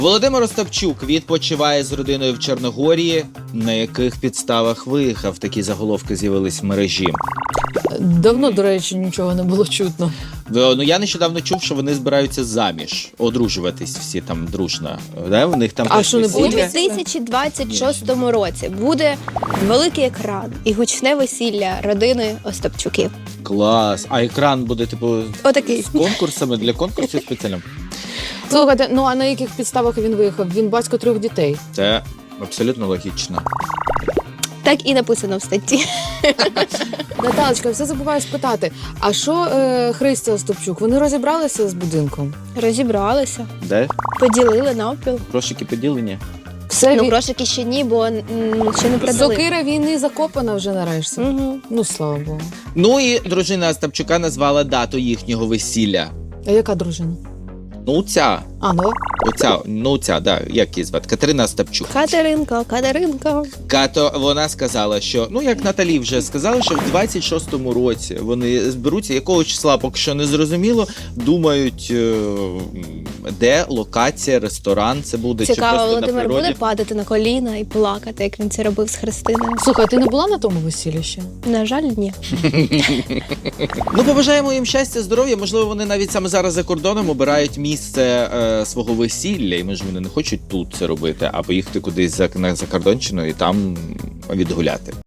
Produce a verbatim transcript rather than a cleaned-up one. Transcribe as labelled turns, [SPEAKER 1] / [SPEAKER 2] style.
[SPEAKER 1] Володимир Остапчук відпочиває з родиною в Чорногорії. На яких підставах виїхав? Такі заголовки з'явились в мережі.
[SPEAKER 2] Давно, до речі, нічого не було чутно.
[SPEAKER 1] Ну, я нещодавно чув, що вони збираються заміж, одружуватись всі там дружно. Да? У них там
[SPEAKER 2] А
[SPEAKER 1] теж
[SPEAKER 2] що, не
[SPEAKER 3] У
[SPEAKER 2] буде?
[SPEAKER 1] весілля.
[SPEAKER 3] дві тисячі двадцять шостому році буде великий екран і гучне весілля родини Остапчуків.
[SPEAKER 1] Клас. А екран буде, типу,
[SPEAKER 3] Отакий.
[SPEAKER 1] з конкурсами, для конкурсів спеціально?
[SPEAKER 2] Слухайте, ну а на яких підставах він виїхав? Він батько трьох дітей.
[SPEAKER 1] Це абсолютно логічно.
[SPEAKER 3] Так і написано в статті.
[SPEAKER 2] Наталочка, все забуваю спитати. А що е, Христя Остапчук? Вони розібралися з будинком?
[SPEAKER 3] Розібралися,
[SPEAKER 1] Де?
[SPEAKER 3] поділили навпіл.
[SPEAKER 1] Грошики поділені?
[SPEAKER 2] Все,
[SPEAKER 3] Ну,
[SPEAKER 2] ві-
[SPEAKER 3] грошики ще ні, бо м, ще не продали.
[SPEAKER 2] сокира війни закопана вже нарешті.
[SPEAKER 3] Угу.
[SPEAKER 2] Ну, слава Богу.
[SPEAKER 1] Ну і дружина Остапчука назвала дату їхнього весілля.
[SPEAKER 2] А яка дружина?
[SPEAKER 1] Ну, ця.
[SPEAKER 2] А, ну?
[SPEAKER 1] Оця, ну ця, да, як її звати? Катерина Остапчук.
[SPEAKER 3] Катеринка, Катеринка.
[SPEAKER 1] Като вона сказала, що, ну як Наталі вже сказала, що в двадцять шостому році вони зберуться, якого числа поки що не зрозуміло, думають, е, де локація, ресторан це буде, чи
[SPEAKER 3] Цікаво,
[SPEAKER 1] просто на
[SPEAKER 3] Володимир
[SPEAKER 1] природі.
[SPEAKER 3] буде падати на коліна і плакати, як він це робив з Христиною?
[SPEAKER 2] Слухай, а ти не була на тому весіллі ще?
[SPEAKER 3] На жаль, ні.
[SPEAKER 1] Ну, побажаємо їм щастя, здоров'я. Можливо, вони навіть саме зараз за кордоном обирають місце е, свого весілля, і може вони не хочуть тут це робити, а поїхати кудись за, на закордонщину і там відгуляти.